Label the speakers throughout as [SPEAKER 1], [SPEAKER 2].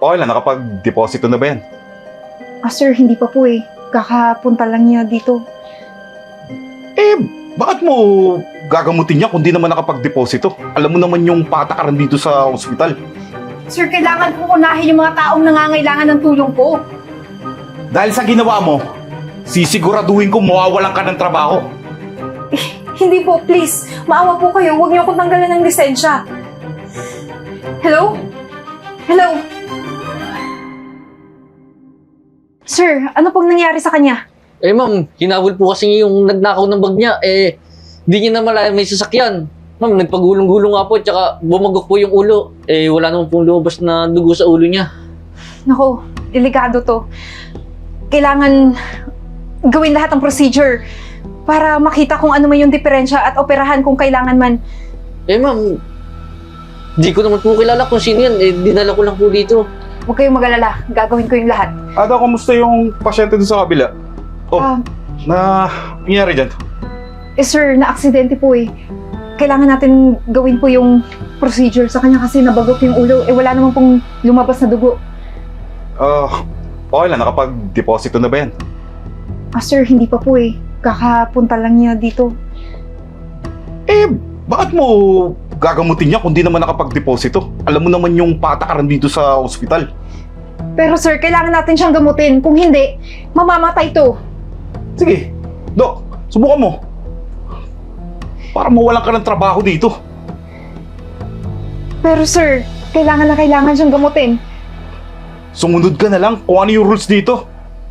[SPEAKER 1] Okay lang, nakapag-deposito na ba yan?
[SPEAKER 2] Sir, hindi pa po eh. Kakapunta lang niya dito.
[SPEAKER 1] Eh, bakit mo gagamutin niya kung di naman nakapag-deposito? Alam mo naman yung patakaran dito sa ospital.
[SPEAKER 2] Sir, kailangan kong unahin yung mga taong nangangailangan ng tulong ko.
[SPEAKER 1] Dahil sa ginawa mo, sisiguraduhin ko mawawalan ka ng trabaho.
[SPEAKER 2] Hindi po, please. Maawa po kayo. Huwag niyo akong tanggalan ng lisensya. Hello? Hello? Sir, ano pong nangyari sa kanya?
[SPEAKER 3] Eh ma'am, hinabol po kasi yung nagnakaw ng bag niya. Eh, di niya na malaya may sasakyan. Ma'am, nagpagulong-gulong nga po, tsaka bumagok po yung ulo. Eh, wala naman pong lumabas na dugo sa ulo niya.
[SPEAKER 2] Naku, delikado to. Kailangan gawin lahat ng procedure para makita kung ano man yung diferensya at operahan kung kailangan man.
[SPEAKER 3] Eh ma'am, di ko naman po kilala kung sino yan. Eh, dinala ko lang po dito.
[SPEAKER 2] Huwag kayong mag-alala. Gagawin ko yung lahat.
[SPEAKER 1] Ada, kumusta yung pasyente doon sa kabila? Oh, nangyari dyan?
[SPEAKER 2] Sir, na-aksidente po eh. Kailangan natin gawin po yung procedure sa kanya kasi nabagok yung ulo. Eh, wala naman pong lumabas na dugo.
[SPEAKER 1] Okay lang, nakapag-deposito na ba yan?
[SPEAKER 2] Sir, hindi pa po eh. Kakapunta lang niya dito.
[SPEAKER 1] Eh, bakit mo gagamutin niya kung di naman nakapag-deposito? Alam mo naman yung patakaran dito sa ospital.
[SPEAKER 2] Pero sir, kailangan natin siyang gamutin. Kung hindi, mamamatay to.
[SPEAKER 1] Sige, Dok, subukan mo. Para mawalan ka ng trabaho dito.
[SPEAKER 2] Pero sir, kailangan na kailangan siyang gamutin.
[SPEAKER 1] Sumunod ka na lang kung ano yung rules dito.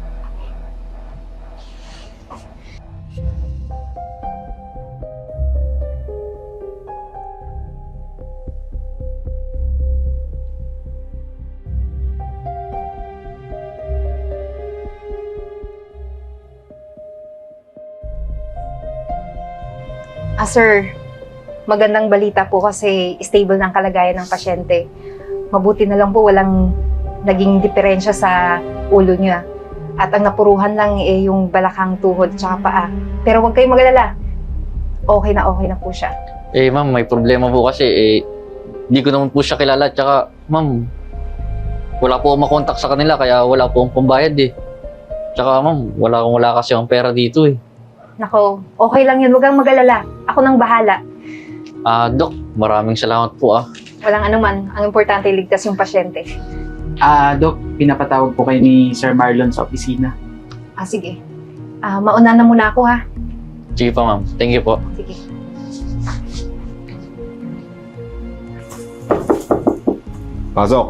[SPEAKER 2] Sir, magandang balita po kasi stable ng kalagayan ng pasyente. Mabuti na lang po walang naging diferensya sa ulo niya. At ang napuruhan lang eh yung balakang tuhod tsaka paa. Pero huwag kayong magalala. Okay na po siya.
[SPEAKER 3] Eh ma'am, may problema po kasi. Eh, di ko naman po siya kilala. Tsaka, ma'am, wala po akong makontak sa kanila kaya wala po akong pambayad eh. Tsaka ma'am, wala kasi akong pera dito eh.
[SPEAKER 2] Nako, okay lang yun. Huwag kang magalala. Ako nang bahala.
[SPEAKER 3] Dok, maraming salamat po ah.
[SPEAKER 2] Walang anuman. Ang importante, ligtas yung pasyente.
[SPEAKER 4] Dok, pinapatawag po kayo ni Sir Marlon sa opisina.
[SPEAKER 2] Sige. Mauna na muna ako ha.
[SPEAKER 3] Sige pa ma'am, thank you po.
[SPEAKER 2] Sige.
[SPEAKER 1] Pasok.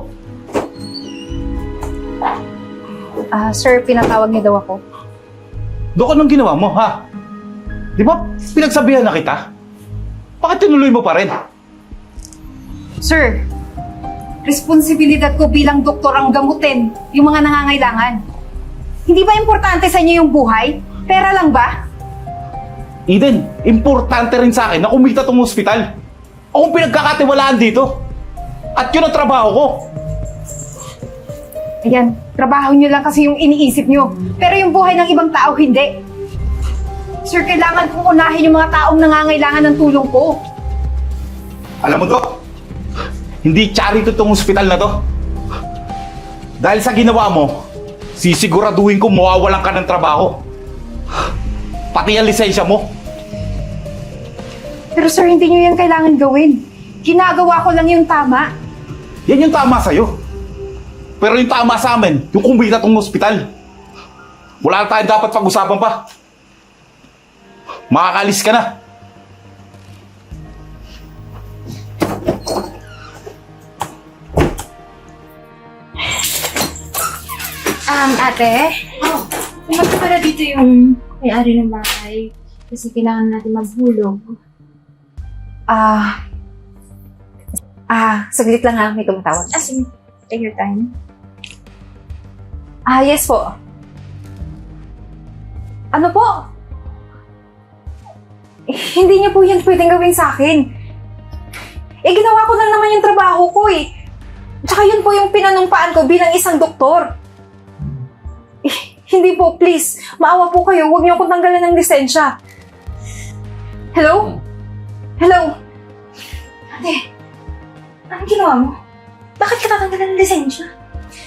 [SPEAKER 2] Sir, pinatawag niyo daw ako.
[SPEAKER 1] Dok, anong ginawa mo, ha? Di ba pinagsabihan na kita? Bakit tinuloy mo pa rin?
[SPEAKER 2] Sir, responsibilidad ko bilang doktor ang gamutin yung mga nangangailangan. Hindi ba importante sa inyo yung buhay? Pera lang ba?
[SPEAKER 1] Eden, importante rin sa akin na kumita tong ospital. Akong pinagkakatiwalaan dito. At yun ang trabaho ko.
[SPEAKER 2] Ayan, trabaho nyo lang kasi yung iniisip nyo. Pero yung buhay ng ibang tao, hindi. Sir, kailangan kong unahin yung mga taong nangangailangan ng tulong ko.
[SPEAKER 1] Alam mo, Dok, hindi charity tong ospital na to. Dahil sa ginawa mo, sisiguraduhin ko mawawalan ka ng trabaho. Pati ang lisensya mo.
[SPEAKER 2] Pero sir, hindi nyo yan kailangan gawin. Ginagawa ko lang yung tama.
[SPEAKER 1] Yan yung tama sa'yo. Pero yung tama sa amin, yung kumita tong ospital. Wala na tayong dapat pag-usapan pa. Makakalis ka na.
[SPEAKER 5] Ate? Pumunta pala dito yung may-ari ng bahay. Kasi kailangan natin maghulog.
[SPEAKER 2] Saglit lang ha, may tumatawag.
[SPEAKER 5] Sige. Take your time.
[SPEAKER 2] Yes po. Ano po? Hindi niyo po yan pwedeng gawin sa akin. Ginawa ko lang naman yung trabaho ko eh. Tsaka yun po yung pinanumpaan ko bilang isang doktor. Hindi po, please. Maawa po kayo. Huwag niyo akong tanggalan ng lisensya. Hello? Hello?
[SPEAKER 5] Ate, anong ginawa mo? Bakit ka tatanggalan ng lisensya?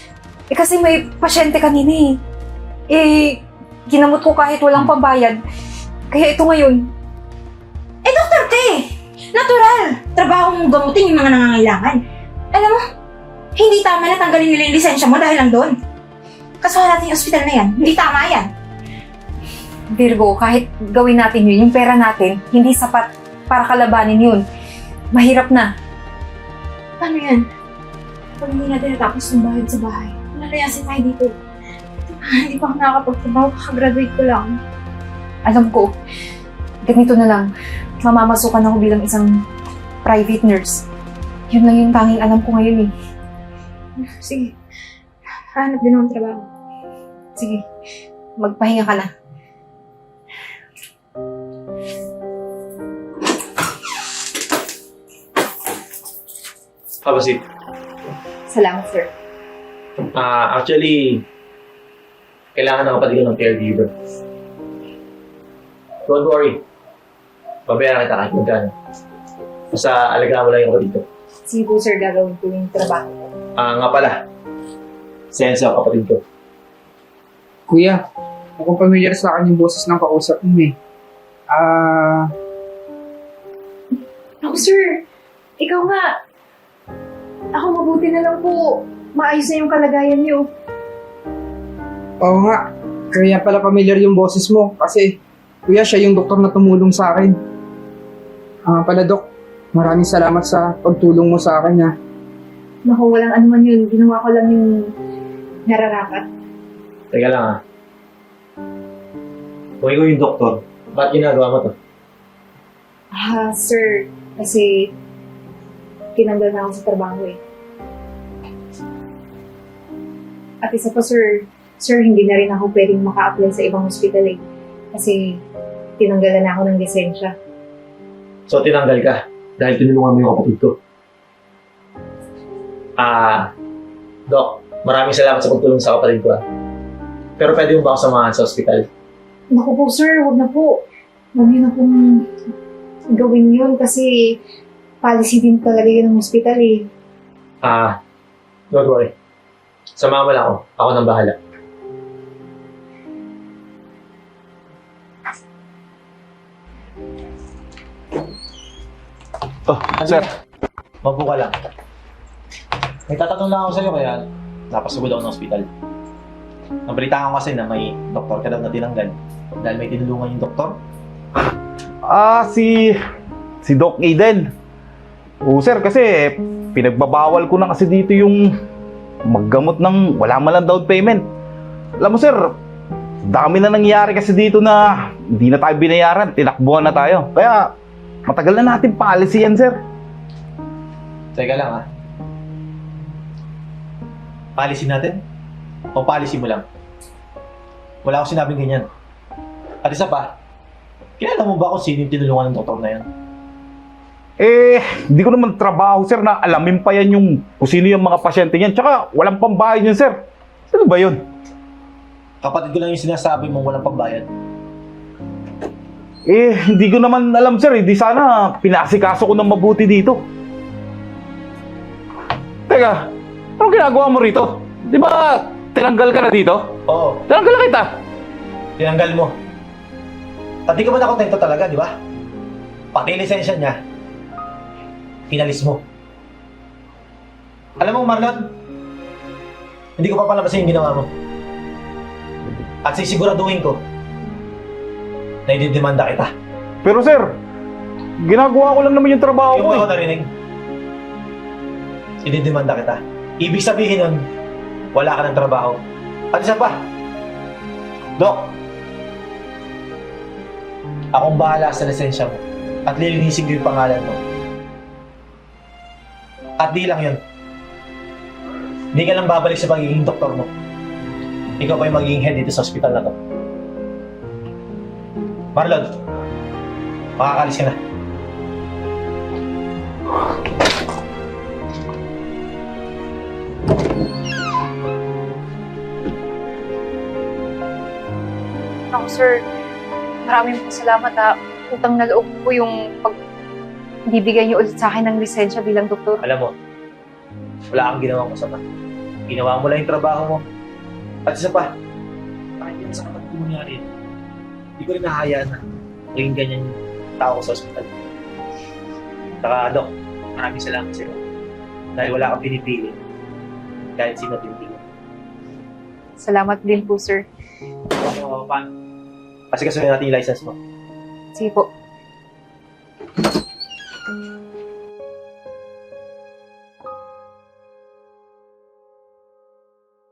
[SPEAKER 2] Eh kasi may pasyente kanina eh. Eh, ginamot ko kahit walang pambayad. Kaya ito ngayon.
[SPEAKER 5] Eh, doktor ka eh! Natural! Trabaho mong gamutin yung mga nangangailangan. Alam mo, hindi tama na tanggalin nila yung lisensya mo dahil lang doon. Kasuhan natin yung ospital na yan. Hindi tama yan.
[SPEAKER 2] Virgo, kahit gawin natin yun, yung pera natin, hindi sapat para kalabanin yun. Mahirap na.
[SPEAKER 5] Paano yan? Pag hindi natin natapos yung bayad sa bahay, nalayasin tayo dito. Hindi pa ako nakakapagtrabaho, kakagraduate ko lang.
[SPEAKER 2] Alam ko, ganito na lang. Mamamasukan ako bilang isang private nurse. Yun lang yung tanging alam ko ngayon eh.
[SPEAKER 5] Sige, hanap din akong trabaho.
[SPEAKER 2] Sige, magpahinga ka na.
[SPEAKER 6] Kabasit.
[SPEAKER 2] Salamat, sir.
[SPEAKER 6] Actually, kailangan ng kapatid ko ng caregiver. Don't worry. Babayaran kita kahit magkano. Basta alagaan mo lang yung kapatid ko.
[SPEAKER 2] Sige po, sir, gagawin ko yung trabaho ko.
[SPEAKER 6] Nga pala. Sensa ang kapatid ko.
[SPEAKER 4] Kuya, mukhang familiar sa akin yung boses ng kausap mo eh.
[SPEAKER 2] Ako, sir. Ikaw nga. Ako mabuti na lang po. Maayos na yung kalagayan niyo.
[SPEAKER 4] Oo nga. Kaya pala familiar yung boses mo kasi kuya, siya yung doktor na tumulong sa akin. Pala Dok, maraming salamat sa pagtulong mo sa akin ha.
[SPEAKER 2] Naku, walang anuman yun. Ginawa ko lang yung nararapat.
[SPEAKER 6] Teka lang Kung ikaw yung doktor, ba't ginagawa mo to?
[SPEAKER 2] Sir, kasi tinanggal na ako sa trabaho eh. At isa pa, sir, hindi na rin ako pwedeng maka-apply sa ibang hospital eh. Kasi tinanggalan na ako ng lisensya.
[SPEAKER 6] So, tinanggal ka dahil tinulungan mo yung kapatid ko. Dok, maraming salamat sa pagtulong sa kapatid ko. Pero pwede mo ba ako samahan sa ospital?
[SPEAKER 2] Naku po, sir, huwag na po. Huwag niyo na pong gawin yun kasi policy din talaga yun ng hospital eh.
[SPEAKER 6] Don't worry. Samahan mo lang ako. Ako nang bahala.
[SPEAKER 1] Oh, sir.
[SPEAKER 6] Mabuo ka lang. May tatanong lang ako sa'yo kaya napasugod ako ng ospital. Nabalitaan ko kasi na may doktor ka daw na tinanggal dahil may tinulungan yung doktor.
[SPEAKER 1] Si Doc Aiden. Oo, sir, kasi pinagbabawal ko na kasi dito yung maggamot ng wala man lang down payment. Alam mo, sir, dami na nangyari kasi dito na hindi na tayo binayaran, tinakbuhan na tayo. Kaya matagal na natin policy yan, sir.
[SPEAKER 6] Teka lang Policy natin? O policy mo lang? Wala akong sinabing ganyan. At isa pa, kilala mo ba kung sino yung tinulungan ng doktor na yan?
[SPEAKER 1] Hindi ko naman trabaho, sir, na alamin pa yan yung kung sino yung mga pasyente niyan. Tsaka walang pambayad yun, sir. Sino ba yun?
[SPEAKER 6] Kapatid ko lang yung sinasabi mong walang pambayad.
[SPEAKER 1] Hindi ko naman alam, sir. Hindi sana pinasikaso ko ng mabuti dito. Teka, anong ginagawa mo rito? Di ba tinanggal ka na dito?
[SPEAKER 6] Oo,
[SPEAKER 1] Tinanggal na kita.
[SPEAKER 6] tinanggal mo. At di ka ba nakontento talaga, di ba? Pati lisensya niya, pinalis mo. Alam mo, Marlon, hindi ko papalabasin yung ginawa mo. At sisiguraduhin ko na ididemanda kita.
[SPEAKER 1] Pero, sir, ginagawa ko lang naman yung trabaho
[SPEAKER 6] Yung
[SPEAKER 1] ko
[SPEAKER 6] mo
[SPEAKER 1] eh.
[SPEAKER 6] ako narinig, ididemanda kita. Ibig sabihin nun, wala ka ng trabaho. At isa pa, Dok, akong bahala sa lisensya mo at lilinisin ko yung pangalan mo. At di lang yun. Hindi ka lang babalik sa pagiging doktor mo. Ikaw pa yung magiging head dito sa ospital na to. Marlon, makakalis ka na.
[SPEAKER 2] Ako, sir, maraming po salamat ha. Utang na loob po yung bibigay niyo ulit sa akin ng lisensya bilang doktor.
[SPEAKER 6] Alam mo, wala kang ginawang masama. Ginawa mo lang yung trabaho mo. At isa pa, kahit yan sa kapatid mo nangyari, hindi ko rin nahayaan na maging ganyan yung tao ko sa ospital. Saka, Dok, maraming salamat sa'yo. Dahil wala kang pinipili. Kahit sino pinipili.
[SPEAKER 2] Salamat din po, sir.
[SPEAKER 6] So, paano? Kasi kasunin natin yung license mo.
[SPEAKER 2] Sige po.